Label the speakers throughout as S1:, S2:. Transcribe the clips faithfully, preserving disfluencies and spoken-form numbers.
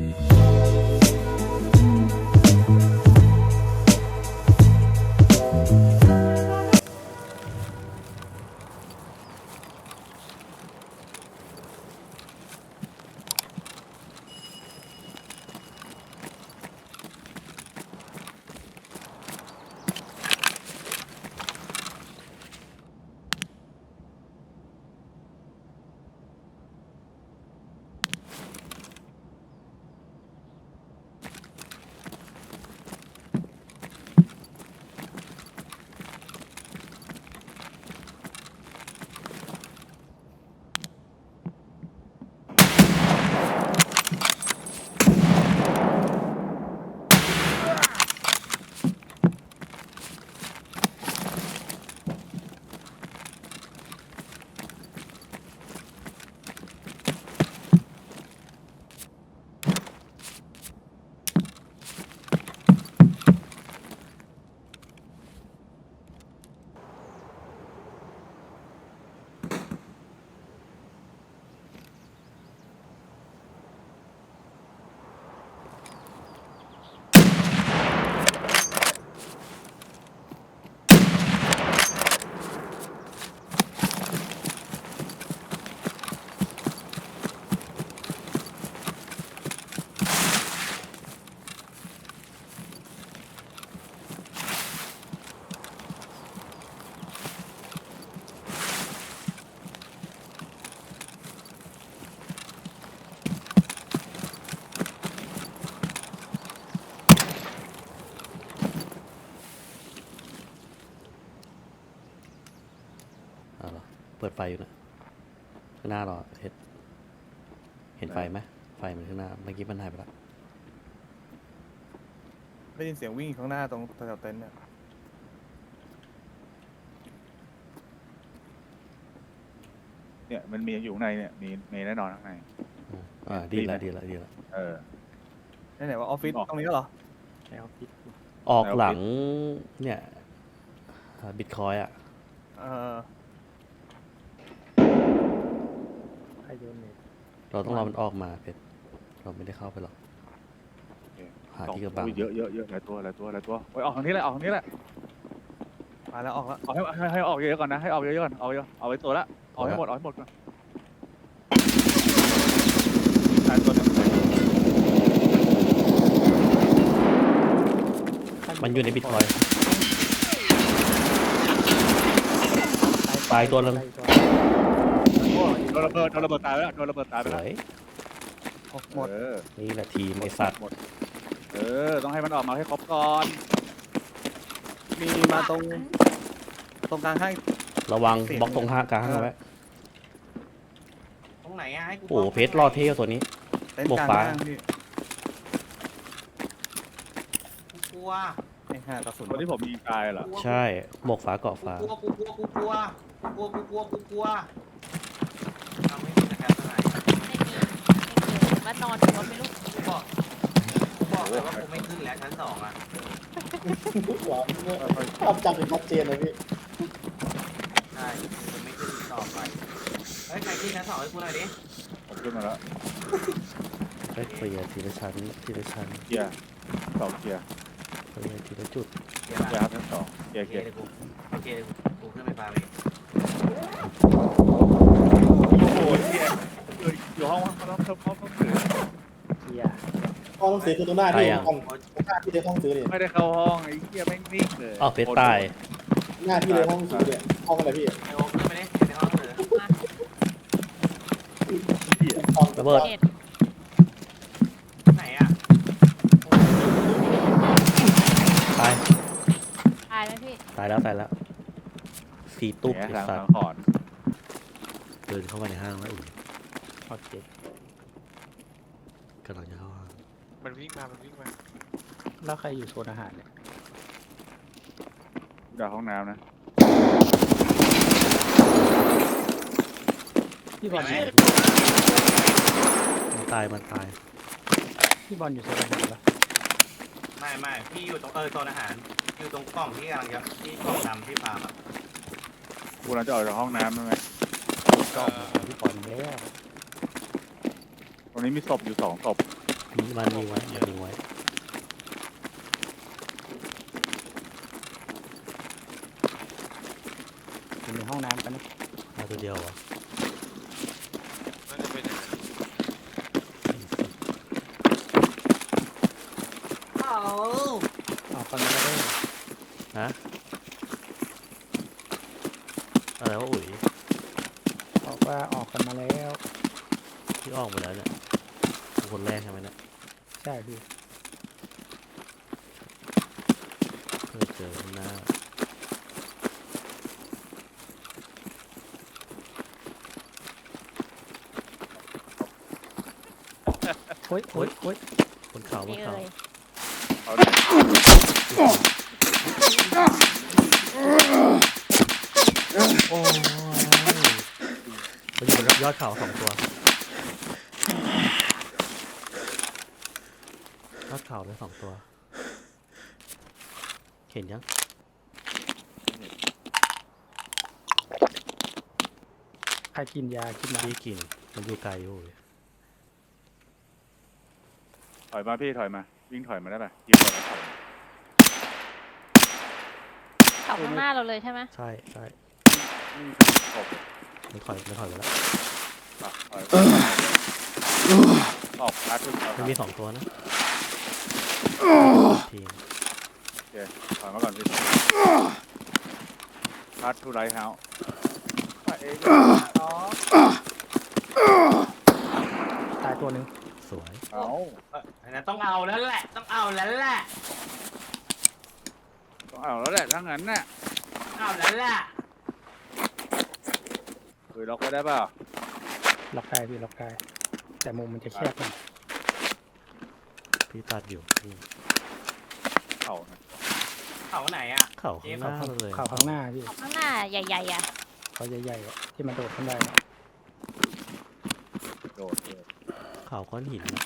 S1: เปิดไฟอยู่นะข้างหน้าเราเห็นเห็นไฟไหมไฟมันข้างหน้าเมื่อกี้มันหายไปแล้ว
S2: ได้ยินเสียงวิ่งข้างหน้าตรงแถวเต็นท์เนี่ย
S3: เนี่ยมันมีอยู่ข้างในเนี่ยมีมีแน่นอนข้างใน
S1: อ่าดีละดีละดีละ
S3: เออ
S2: ไหนๆว่าออฟฟิศตรงนี้ก็เหรอ
S4: ใช่ออฟฟิศ
S1: ออกหลังเนี่ยบิตคอยอ่ะ
S2: เออ
S4: ใครโดนเน็ต
S1: เราต้องรอมันออกมาเพชรเราไม่ได้เข้าไปหรอกหาที่กระบัง
S3: เยอะเยอะเยอะหลายตัวหลายตัวหลายตัวไปออกทางนี้แหละออกทางนี้แหละ
S2: มาแล้วออกแล้ว
S3: ออกให้ให้ให้ออกเยอะก่อนนะให้ออกเยอะก่อนเอาเยอะเอาไว้ตัวละออกให้หมดออกให้หมดก่อนตายตัวนึง
S1: มันอยู่ในบิตคอยตายตัวนึง
S3: โดนระเบิดโดนระเบิดตายไปแล้วโดนระเบิดตายไปแล้ว
S2: หมด
S1: นี่แหละทีมไอสัตว์
S3: เออต้องให้มันออกมาให้ครบก่อน
S2: มีมาตรงตรงกลางให้
S1: ระวังบล็อกตรงห้ากลางไว้
S5: ตรงไหนอะให้กู
S1: โอ้เพชรรอดเท่ตัวนี้
S2: หมวกฟ้า
S5: กูกลัว
S2: ไอ้ห่ากระสุน
S3: คนที่ผมยิงตายเหรอ
S1: ใช่หมวกฟ้าเกาะฟ้า
S5: กูกลัวกูกลัวกูกลัวกูกลัวกูกลัวกูกลัวทำไม่ได้แค่ไหน
S6: ไม่มีไม่มีว่านอนอยู่ก็ไม่รู้
S5: กูบอกกูบอกเลยว่ากูไม่ขึ้นแล้วชั้นสองอะ
S4: ภาพจำเป็นชัดเจนเลยพี่
S5: ใช่กูไม่ขึ้นต่อไปเฮ้ยใครขึ้นชั้นสองให้กูหน่อยดิ
S3: ผมขึ้นมาแล้ว
S1: เฮ้ยเคลียร์ทีละชั้นทีละชั้น
S3: เกียร์สองเกียร์
S1: เคลียร์ทีละจุด
S5: เกียร์
S3: ครับชั้นสองเกียร์
S5: เกียร์กูโอเคกูขึ้นไปปาไป
S3: โอ้โหเกียร์อยู่ห้องห้องห้องห้องถือ
S4: เกียร์ห้องซื้อคือตรงหน้าที่ห้องหน้าที่ในห้องซื้อเนี่ย
S3: ไม่ได้เข้าห้องไอ้เกียร์ไม่นิ่งเลย
S1: อ้าวเพชรตาย
S4: หน้าที่ในห้องซื้อเนี่ยห้องอะไรพี่
S5: ไอ้โอ๊คขึ้นไปดิในห้องซื้อ
S1: ระเบิด
S5: ไหนอะ
S1: ตาย
S6: ตายแล้วพี่
S1: ตายแล้วตายแล้วสีตุ๊บ
S3: ไอ้สัตว์
S1: เดินเข้ามาในห้างแล้วอุ่น
S4: โอเค
S1: กำลังจะเข้าห้าง
S5: มันวิ่งมามันวิ่งมา
S4: แล้วใครอยู่โซนอาหารเนี่ย
S3: เดี๋ยวห้องน้ำนะ
S4: พี่บอล
S1: มันตายมันตาย
S4: พี่บอลอยู่โซนอาหารปะ
S5: ไม่ไม่พี่อยู่ตรงเออโซนอาหารอยู่ตรงกล่องที่กำลังจะที่กล่องดำที่พามา
S3: กูเราจะออกจากห้องน้ำใช่ไหม
S4: กล่องพี่บอลแล้ว
S3: ตรงนี้มีศพอยู่สองศพ
S1: มีมันมีไว้มันมีไว้
S2: อยู่ในห้องน้ำกันนะ
S1: เอาตัวเดียวเหรอ
S7: น่าจะเป็นอย่างนั้น
S5: เอา
S2: เอาคนมาแล้วด้วย
S1: ฮะอะไรวะอุ๋ย
S2: บอกว่าออกกันมาแล้ว
S1: ที่ออกมาแล้วเนี่ยเป็นคนแรกใช่ไหมเนี่ย
S2: ใช่พี่
S1: เพื่อเจอข้างหน้า
S2: โอ้ยโอ้ยโอ้ย
S1: บนเขาบ
S6: นี่
S1: นเขา
S6: เลย
S3: เอาดิ
S1: โอ้ยมันอยู่บนยอดเขาสองตัวยอดเขาเลยสองตัว เห็นยัง
S2: ใครกินยากินยา
S1: พี่กินมันอยู่ไกลอยู่
S3: ถอยมาพี่ถอยมาวิ่งถอยมาได้ป่ะยิงก่อนแล้วถอยมา
S6: เขาข้างหน้าเราเลยใช่ไหม
S1: ใช่ใช่
S3: อืมตบ
S1: มันถอยมันถอยไปแล้ว
S3: อ่ะถอยออกอาร์ตขึ้นเอา
S1: มันมีสองตัวนะทีม
S3: ถอยมาก่อนพี่อาร์ตทูไรเฮาส์ไปเองอ๋อ
S2: ตายตัวหนึ่ง
S1: สวย
S3: เอา
S5: เอออันนั้นต้องเอาแล้วแหละ ต้องเอาแล้วแหละ
S3: ต้องเอาแล้วแหละถ้างั้นน่ะ
S5: ต้องเอาแล้วแหละ
S3: คุยล็อกไว้ได้เปล่า
S2: ล็อกได้พี่ล็อกได้แต่มุมมันจะแคบหน่อย
S1: พี่ตัดอยู่นี่
S3: เข่านะ
S5: เขาไหนอ่ะ
S1: เข่าข้างหน้าเลย
S2: เข่าข้างหน้าพี่
S6: เขาข้างหน้าใหญ่ๆอ่ะ
S2: เขาใหญ่ๆอะที่มันโดดขึ้นได้อะ
S3: โดดโดด
S1: เข่าก้อนหินน่ะ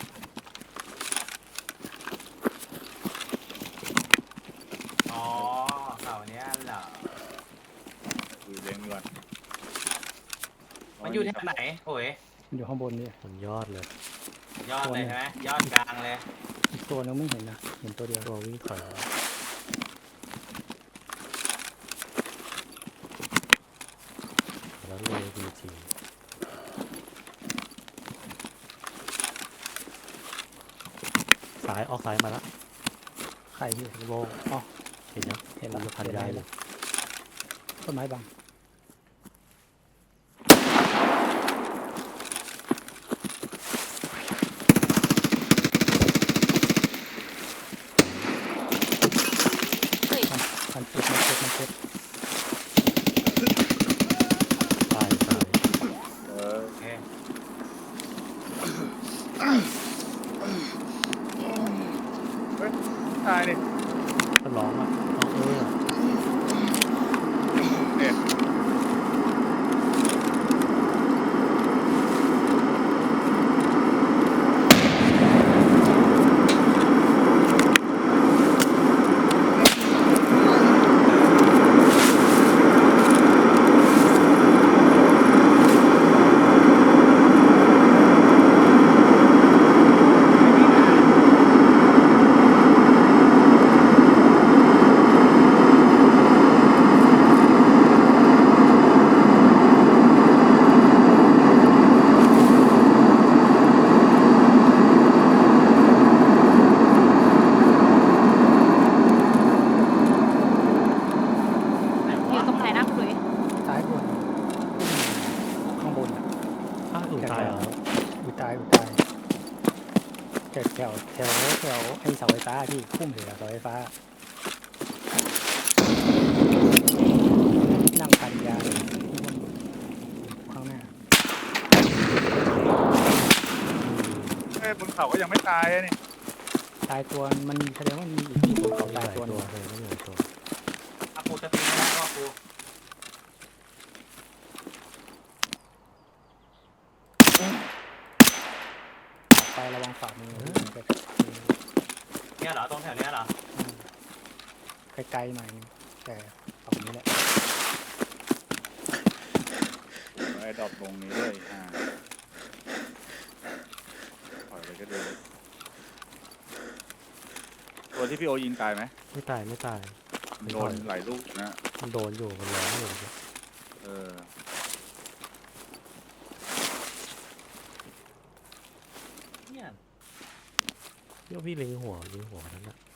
S5: อ๋อเขาเนี้ยเหรอ
S3: คุยเลี้ยงดีกว่า
S5: มันอยู่ที่ไหนโอ้ย
S2: มันอยู่ข้างบนนี่
S1: บนยอดเลย
S5: ยอดเลยใช่ไหมยอดกลางเลย
S2: อีกตัวนึงไม่เห็นนะเห็นตัวเดียว
S1: ตัววิ่งถอยมาแล้วเลยจริงๆซ้ายออกซ้ายมาแล้ว
S2: ใครพี่
S1: โล่ง
S2: อ๋อ
S1: เห็นยัง
S2: เห็น
S1: มั
S2: แล้ว
S1: นจะพันยายเลย
S2: ต้นไม้บัง
S6: เฮ้ย
S2: มันมันเจ็บมันเจ็บมันเจ็บ
S1: ตายตาย
S3: เออ
S5: โอเค
S3: ตายดิ
S1: ก็ร้องอ่ะร้องเออ
S3: เนี่ย
S6: อยู่ตรงไหนนะคุณหลุย
S2: ซ้ายบนข้างบนอะ
S1: อ้าวถูกตายเหรอ
S2: อุยตายอุยตายแถวแถวแถวแถวไอ้เสาไฟฟ้าที่พุ่มเหลือเสาไฟฟ้า นั่งปันยาอยู่ข้างหน้า
S3: เอ้ยบนเขาก็ยังไม่ตายอะนี่
S2: ตายตัวมันแสดงว่ามีอีกที่บนเขา
S1: มีห
S2: ตาย
S1: ลาย
S2: ตัวห
S1: ตั
S2: นึ่
S1: ว
S2: ง
S1: เลยไม่มีหลายตัว
S5: อากูจะตีไม่ได้ว่ากู
S2: ออกไประวังฝ่ามือมันจะ
S5: เนี่ยเหรอตรงแถวเนี้ยเหรอ
S2: ไกลๆหน่อยนึงแต่ฝั่งนี้แหละ
S3: ไอ้ดรอปตรงนี้เลยอ่าถอยไปก็ดีตัวที่พี่โอยิงตายไหม
S1: ไม่ตายไม่ตาย
S3: มันโดนหลายลูกนะ
S1: มันโดนอยู่มันร้องอยู่
S3: เออ
S5: เนี่ย
S1: เดี๋ยวพี่เล็งหัวยิงหัวนั้นอะ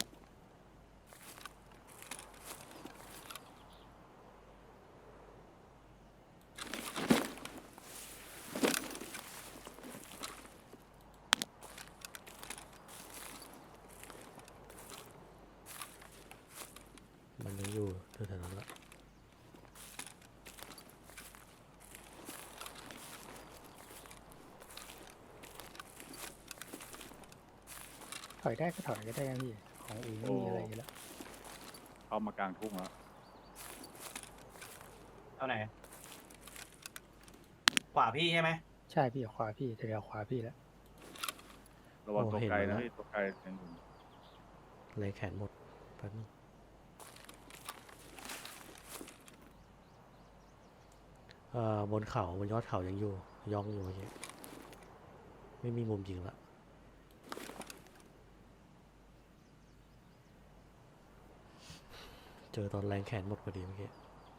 S1: มันยังอยู่แถวๆนั้นละ
S2: ถอยได้ก็ถอยก็ได้นะพี่ของเองไม่มีอะไรอยู่แล้ว
S3: เข้ามากลางทุ่งแล้ว
S5: เอาไหนขวาพี่ใช่ไหม
S2: ใช่พี่ขวาพี่เดี๋ยวขวาพี่แล้ว
S3: ระวังตัวไกลนะพี่ตัวไกลยังอยู่
S1: เลยแขนหมดแป๊บนึงเอ่อบนเขาบนยอดเขายังอยู่ย่องอยู่เมื่อกี้ไม่มีมุมยิงละเจอตอนแรงแขนหมดพอดีเมื่อกี้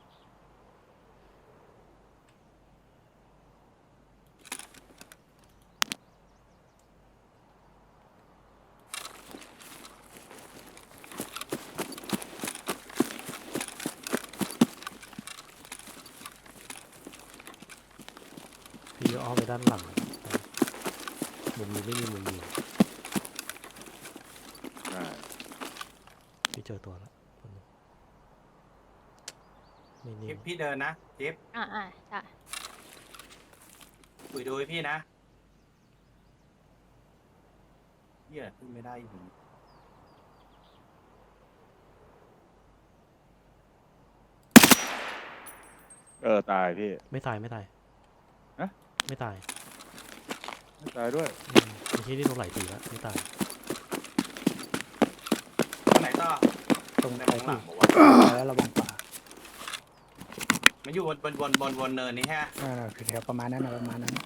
S1: พี่อ้อมไปด้านหลังมุมนี้ไม่มีมุมยิง
S3: ใช่
S1: พี่เจอตัวแล้วไม่นิ่
S5: จิ๊บ
S1: ง
S5: พี่เดินนะจิ๊บ
S6: อ่าอ่าใช่
S5: คุยดูให้พี่นะเหี้ยขึ้นไม่ได้อีก
S3: เออตายพี่
S1: ไม่ตายไม่ตาย
S3: ฮะ
S1: ไม่ตาย
S3: ไม่ตายด้วย
S1: อืมเมื่อกี้นี่โดนไหลตีแล้วไม่ตาย
S5: ตรงไหนต่อ
S2: ตรง
S5: ใน
S2: ไป
S5: ข้างหลั
S2: พี่
S5: งบอกว่า
S2: แล้วระวังขวา
S5: มันอยู่บนบนบนบนบนเนินนี่ฮะ
S2: อ่าคือแถวประมาณนั้นนะประมาณนั้น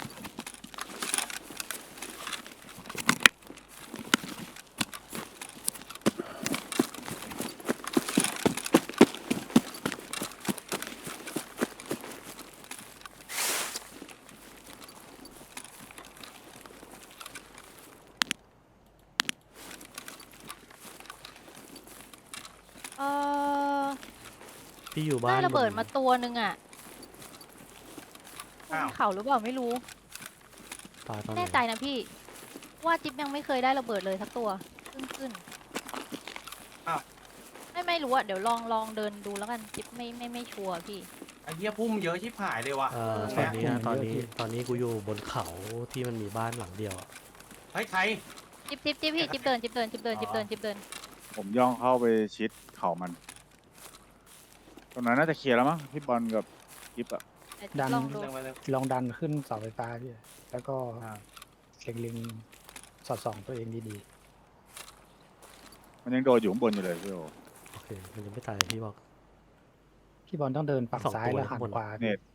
S6: เออ
S1: พี่อยู่บ้า
S6: ได้
S1: น
S6: ระเบิด
S1: บน
S6: มาตัวหนึ่งอ่ะบนเขาหรือเปล่าไม่รู้
S1: ตายตอน
S6: แน่
S1: ไห
S6: ใจ
S1: น
S6: นะพี่ ว่าจิ๊บยังไม่เคยได้ระเบิดเลยสักตัวขึ้นขึ้นไม่ไม่รู้อะเดี๋ยวลองลองเดินดูแล้วกันจิ๊บไม่ไม่ไม่ชัวร์พี่
S5: ไอ้เหี้ยพุ่มเยอะชิบหายเลยว่ะ
S1: เอ่อ
S5: ต
S1: ต
S5: ร
S1: อง น
S5: เนี้ย
S1: นี้นะตอนนี้ตอนนี้กูอยู่บนเขาที่มันมีบ้านหลังเดียวอะ
S5: เฮ้ยใคร
S6: จิ๊บจิ๊บจิ๊บพี่จิ๊บเดินจิ๊บเดินจิ๊บเดินจิ๊บเดินจิ๊บเดิน
S3: ผมย่องเข้าไปชิดเข่ามันตรงนั้นน่าจะเคลียร์แล้วมั้งพี่บอลกับกิฟอะ
S6: เดี๋ยวจิ๊บลองดู
S5: เรื่องไปเรื่อง
S2: ลองดันขึ้นเสาไฟฟ้าพี่แล้วก็
S5: อ่า
S2: เล็งๆสอดส่องตัวเองดี
S3: มันยังโดนอยู่ข้างบนอยู่เลยพี่โอ
S1: โอเคมันยังไม่ตายพี่บอก
S2: ๆพี่บอลต้องเดินฝั่ง
S1: สอง
S2: ซ้าย
S1: ตัว
S2: แล้วหัน
S1: ข้างบน
S2: ขวา
S3: เน็ต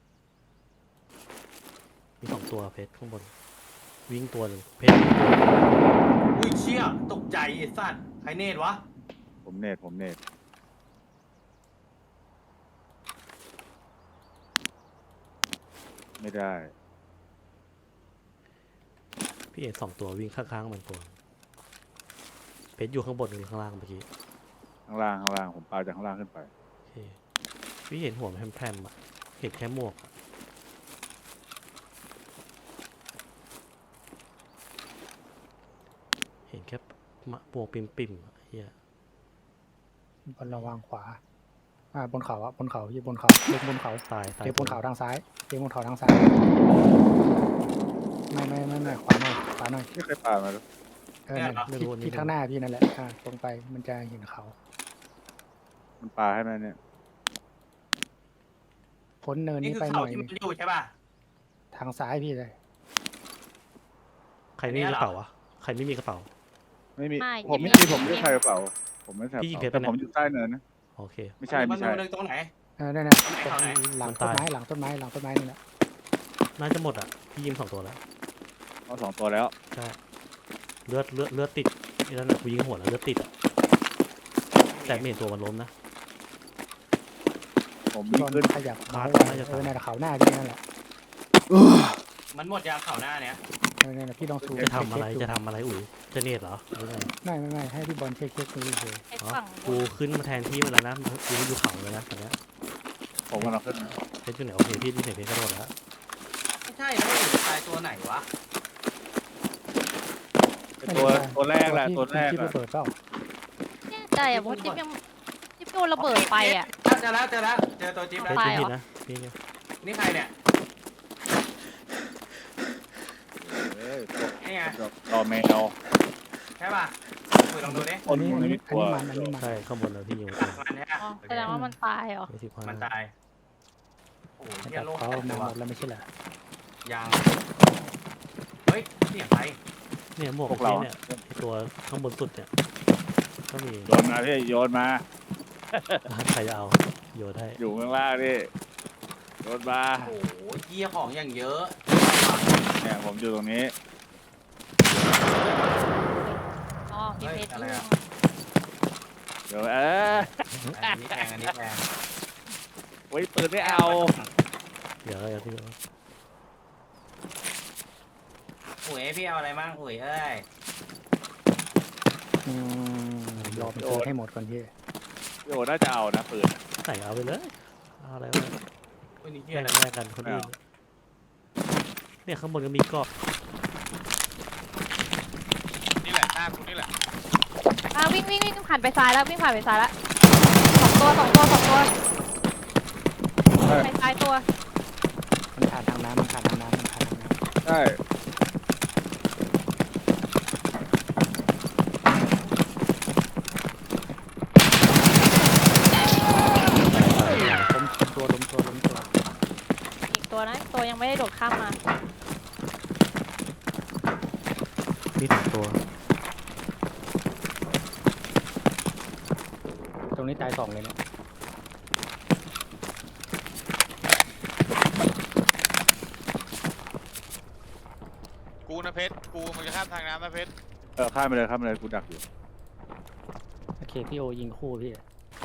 S1: มีสองตัวเพชรข้างบน วิ่งตัวหนึ่งเพชรวิ่งตัวหนึ่ง
S5: อุ้ยเชี่ยตกใจไอ้สัตว์ใครเนตวะ
S3: ผมเน็ตผมเน็ตไม่ได้
S1: พี่เอกสองตัววิ่งข้างๆมันตัวเพชรอยู่ข้างบนหรือข้างล่างเมื่อกี้
S3: ข้างล่างข้างล่างผมปาจากข้างล่างขึ้นไป
S1: โอเคพี่เห็นหัวมันแพร่มๆอะเห็นแค่หมวกอะเห็นแค่มะปวกปิ่มๆอะเฮีย
S2: บนระวังขวาอ่าบนเขาอะบนเขาพี่บนเขาเล็งบนเขา
S1: ตายตาย
S2: เล็งบนเขาทางซ้ายเล็งบนเขาทางซ้ายไม่ไม่ไม่ไม่ขวาหน่อยขวาหน่อย
S3: ไม่เคยปามาเลย
S2: เออนั่นทิศทิศข้างหน้าพี่นั่นแหละอ่าตรงไปมันจะเห็นเขา
S3: มันปาให้ไหมเนี่ย
S2: พ้นเนิน
S5: นี่
S2: นี้
S5: คือ
S2: ไปห
S5: เขา
S2: น่อย
S5: ที่
S2: ห
S5: มั
S2: นึ่
S5: น
S2: ง
S5: อยู่ใช่ป่ะ
S2: ทางซ้ายพี่เลย
S1: ใครไม่มี
S5: อัน
S1: ก
S5: เนี้ย
S1: ระเป๋าวะใครไม่มีกระเป๋า
S3: ไม่มี
S6: ไม่
S3: ผมไม่
S6: ไม่
S3: มีผมไม่ได้ใส่กระเป๋าผมไม่ใส่กระ
S1: พี่ยิง
S3: เป๋า
S1: เพชร
S3: แต่
S1: ไปไหน
S3: ผมอยู่ใต้เนินนะ
S1: โอเค
S3: ไม่ใช่ไม่ใช่
S5: นตรงไหน
S2: เออนั่นน่ะ
S5: ตรงไหน
S2: ตรง
S5: ตรงไหน
S2: หลัง
S1: มัน
S2: ต้น
S1: ตาย
S2: ไม้หลังต้นไม้หลังต้นไม้นี่แหละ
S1: น่าจะหมดอ่ะพี่ยิงสองตัวแล้ว
S3: เอาสองตัวแล้ว
S1: ใช่เลือดเลือดเลือดติดไอ้นั่นน่ะกูยิงหัวแล้วเลือดติดอะแต่ไม่เห็นตัวมันล้มนะ
S3: ผม
S2: พี่
S3: วิ่
S2: บ
S3: ง
S2: อล
S3: ขึ้น
S2: ขยับ
S1: มา
S2: เมาส์
S1: มาจะ
S2: เออในเขาหน้าพี่นั่นแหละ
S5: มันหมดยางเข่าหน้าเนี้ย
S2: เออเนี่ยพี่ลองซูม
S1: จะทำอะไร
S2: เช็คๆดู
S1: จะทำอะไรอุ๋ยจะเนตเหรอหรือไง
S2: ไม่ไม่ไม่ให้พี่บอลเช็คเช็คดูเฉย
S6: ไอ้
S1: อ๋อ
S6: ฝั่งบ
S1: กู
S6: น
S1: ขึ้นมาแทนที่มันแล้วนะกูอยู่เขาเลยนะตอนเนี้ย
S3: ผมกำลังขึ้น
S1: เพชรอยู่ไหนโอเคพี่ที่ไหนเพชรกระโดดแล้ว
S5: ไม่ใช่แล้วอยู่ตายตัวไหนวะ
S3: ตัวตัวแรกแหละตัวแรก
S2: ที่
S3: อะ
S2: ระเบิดเปล่า
S6: แน่ใจอ่ะเพราะจิ๊บยังจิ๊บโดนระเบิดไปอ่ะ
S5: เจอแล้วเจอแล้วเจอตัวจิ๊บ
S1: เพ
S5: แล้ว
S1: ชร
S6: ตาย
S1: พี่
S6: เหรอ
S1: นะพี่ไง
S5: นี่ใครเนี่ย
S3: เอ้ย
S5: นี่ไง
S3: รอแมว
S5: ใช่ป่ะคุยลองดูดิ
S3: คน
S2: อันนี้
S3: มัน
S2: อัน
S3: ไม่
S2: นี้
S3: มี
S2: อัน
S3: ตัว
S2: นี้มันอันนี้มัน
S1: ใช่ข้างบนเลยพี่อยู่
S5: มันใช่
S6: อ๋อ
S5: ปะ
S6: แสดงว่ามันตายเหรอ
S1: ไม่สิบห้า
S5: มันตายโอ้โห
S2: มัน
S5: เฮีย
S2: จับ
S5: โลก
S2: เขา
S5: แตก
S2: มา
S5: ตัว
S2: หมดแล้วไม่ใช่เหรอ
S5: ยังเฮ้ยเสียงใคร
S1: เนี่ยหมวก
S3: พวก
S1: พี่
S3: เรา
S1: เนี่ยไอ้ตัวข้างบนสุดเนี่ยก็มี
S3: โยนมาพี่โยนมา
S1: ใครจะเอาโยนให้
S3: อยู่ข้างล่างนี่โยนมา
S5: โอ้โหเฮียของอย่างเยอะ
S3: เนี่ยผมอยู่ตรงนี้
S6: อ๋อมีเพชรลูก
S3: เดี๋ยวเออ
S5: อันนี้แพงอันนี้แพง
S3: ไว้ปืนไม่เอา
S1: เดี๋ยวก็จะพี่
S5: อุ๋ยพี่เอาอะไรมั่งอุ๋ยเอ้ย
S2: อืมรอไปเจอให้หมดก่อนพี่
S3: พี่โอน่าจะเอานะปืน
S1: ใส่เอาไปเลยเอาอะไรวะ
S5: อุ้ยนี่เฮี
S1: แย
S5: ย
S1: ก
S5: อะไร
S1: แยกกันคนอื่นเนี่ยข้างบนก็มีเกาะ
S7: นี่แหละหน้ากูนี่แหละ
S6: อ่ะวิ่งวิ่งวิ่งผ่านไปซ้ายแล้ววิ่งผ่านไปซ้ายแล้วสองตัวสองตัวสองตัวไปซ้ายตัว
S2: มันผ่านทางน้ำมันผ่านทางน้ำมันผ่านทางน้ำ
S3: ใช่
S2: ล้มตัวล้มตัวล้มตัว
S6: อีกตัวนะตัวยังไม่ได้โดดข้ามมา
S1: มีสองตัว
S2: ตรงนี้ตายสองเลยเนี่ย
S7: กูนะเพชรกูมันจะข้ามทางน้ำนะเพชร
S3: เออข้ามไปเลยข้ามไปเลยกูดักอยู่
S2: โอเคพี่โอยิงคู่พี่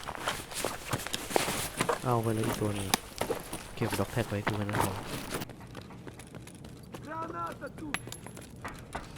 S1: เอาไปเลยอีกตัวหนึงเก็บด็อกแท็กไว้กูกันนะ